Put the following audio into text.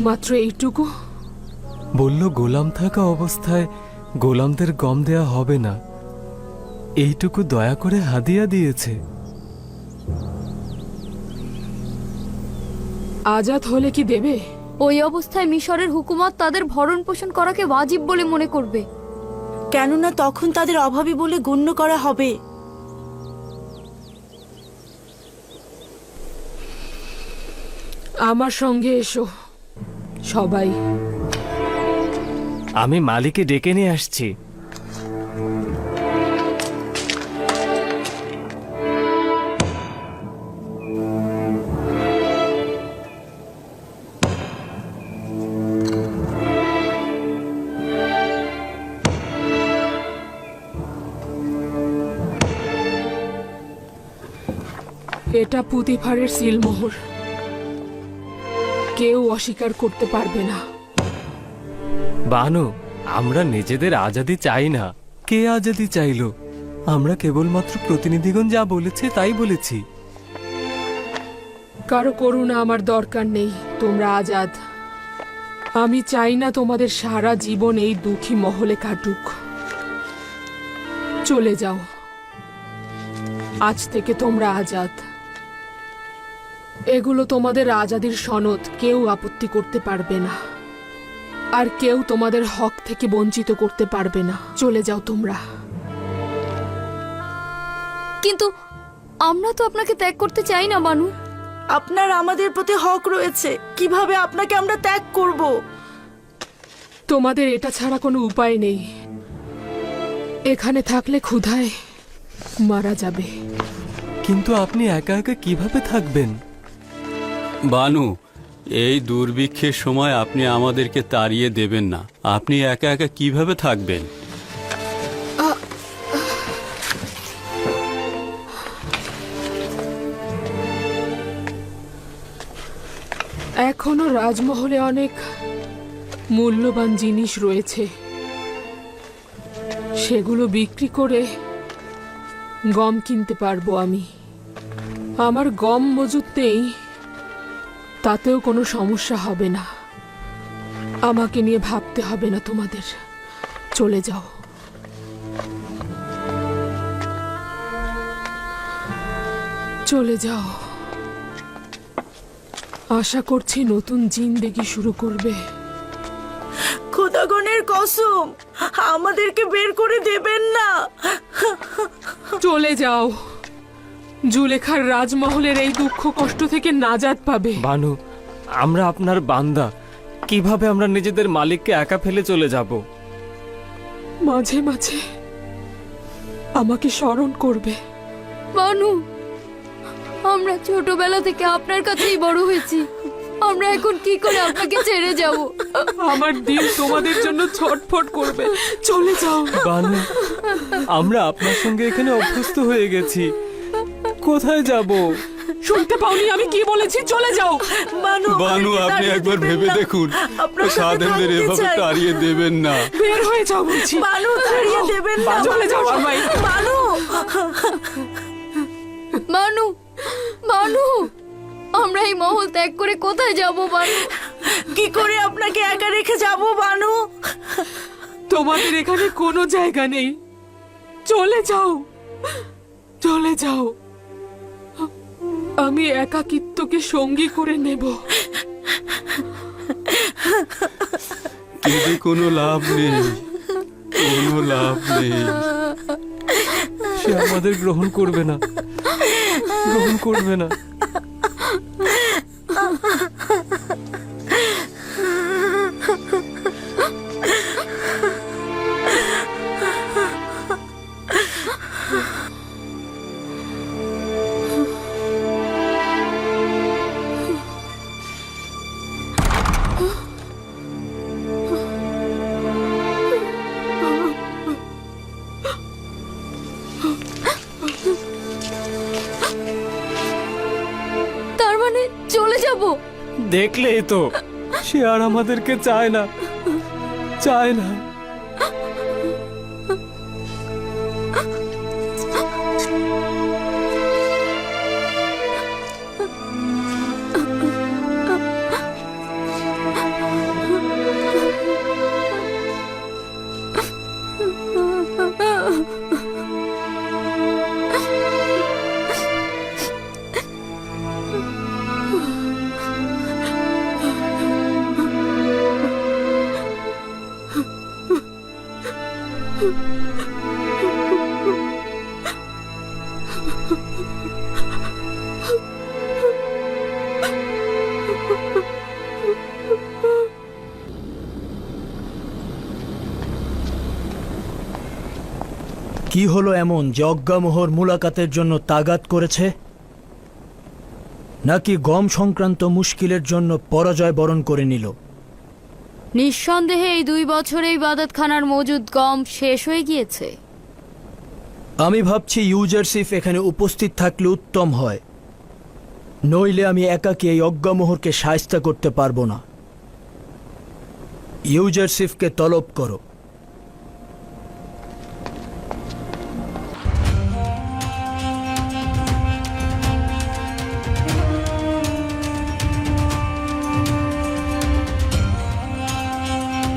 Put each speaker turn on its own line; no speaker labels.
মাত্র এইটুকু?
বলল গোলাম থাকা অবস্থায় গোলামদের গম দেয়া হবে না, এইটুকু দয়া করে হাদিয়া দিয়েছে।
আজাদ হলে কি দেবে?
ওই অবস্থায় মিশরের হুকুমত তাদের ভরণ পোষণ করাকে ওয়াজিব বলে মনে করবে,
কেননা তখন তাদের অভাবী বলে গণ্য করা হবে।
আমার সঙ্গে এসো সবাই।
আমি মালিককে ডেকে নিয়ে আসছি।
এটা পুতিফারের সিলমোহর, কেউ অস্বীকার করতে পারবে না।
বানু, আমরা নিজেদের আজাদি চাই না। কে আজাদি চাইলো? আমরা কেবলমাত্র প্রতিনিধিগণ যা বলেছে তাই বলেছি।
কারো করুণা আমার দরকার নেই, তোমরা আজাদ। আমি চাই না তোমাদের সারা জীবন এই দুঃখী মহলে কাটুক। চলে যাও, আজ থেকে তোমরা আজাদ। এগুলো তোমাদের আজাদির সনদ, কেউ আপত্তি করতে পারবে না, আর কেউ তোমাদের হক থেকে বঞ্চিত করতে পারবে না। চলে যাও তোমরা।
কিন্তু আমরা তো আপনাকে ত্যাগ করতে চাই না বানু।
আপনার আমাদের প্রতি হক রয়েছে, কিভাবে আপনাকে আমরা ত্যাগ করব?
তোমাদের এটা ছাড়া কোনো উপায় নেই। এখানে থাকলে ক্ষুধায় মারা যাবে।
কিন্তু আপনি একা একা কিভাবে থাকবেন?
বানু, এই দুর্ভিক্ষের সময় আপনি আমাদেরকে তাড়িয়ে দেবেন না। আপনি একা একা কিভাবে থাকবেন?
এখনো রাজমহলে অনেক মূল্যবান জিনিস রয়েছে, সেগুলো বিক্রি করে গম কিনতে পারবো আমি। আমার গম মজুত নেই, তাতেও কোনো সমস্যা হবে না। আমাকে নিয়ে ভাবতে হবে না তোমাদের। চলে যাও। চলে যাও। আশা করছি নতুন জিন্দেগি শুরু করবে।
খোদাগণের কসম, আমাদেরকে বের করে দেবেন না।
চলে যাও। জুলেখার রাজমহলের এই দুঃখ কষ্ট থেকে নাজাত পাবে।
বানু, আমরা আপনার বান্দা, কিভাবে আমরা নিজেদের মালিককে একা ফেলে চলে যাব?
মাঝে মাঝে আমাকে স্মরণ করবে।
বানু, আমরা ছোটবেলা থেকে আপনার কাছেই বড় হয়েছি, আমরা এখন কি করে আপনাকে ছেড়ে যাব?
আমার দিল তোমাদের জন্য ছটফট করবে। চলে যাও।
বানু, আমরা আপনার সঙ্গে এখানে অভ্যস্ত হয়ে গেছি, কোথায় যাব?
শুনতে পাওনি আমি কি বলেছি? চলে যাও।
বানু,
বানু, আপনি একবার ভেবে দেখুন, সাধেনদের এভাবে তাড়িয়ে দেবেন না।
বের হয়ে যাও বলছি।
বানু, তাড়িয়ে দেবেন না।
চলে যাও সবাই।
বানু,
বানু, বানু, আমরা এই মহল ত্যাগ করে কোথায় যাব বানু?
কি করে আপনাকে একা রেখে যাব বানু?
তোমাদের এখানে কোনো জায়গা নেই। চলে যাও, চলে যাও। আমি একাকিত্বকে সঙ্গী করে নেব।
কেঁদে কোনো লাভ নেই, কোনো লাভ নেই।
সে আমাদের গ্রহণ করবে না, গ্রহণ করবে না।
তার মানে চলে যাব?
দেখলেই তো, সে আর আমাদেরকে চায় না, চায় না।
কি হলো এমন যে অজ্ঞামোহর মুলাকাতের জন্য তাগাদ করেছে, নাকি গম সংক্রান্ত মুশকিলের জন্য পরাজয় বরণ করে নিল?
নিঃসন্দেহে এই 2 বছরে ইবাদতখানার মজুদ গম শেষ হয়ে গিয়েছে।
আমি ভাবছি ইউজারসিফ এখানে উপস্থিত থাকলে উত্তম হয়, নইলে আমি একাকী এই অজ্ঞামোহরকে শায়েস্তা করতে পারবো না। ইউজারসিফকে তলব করো।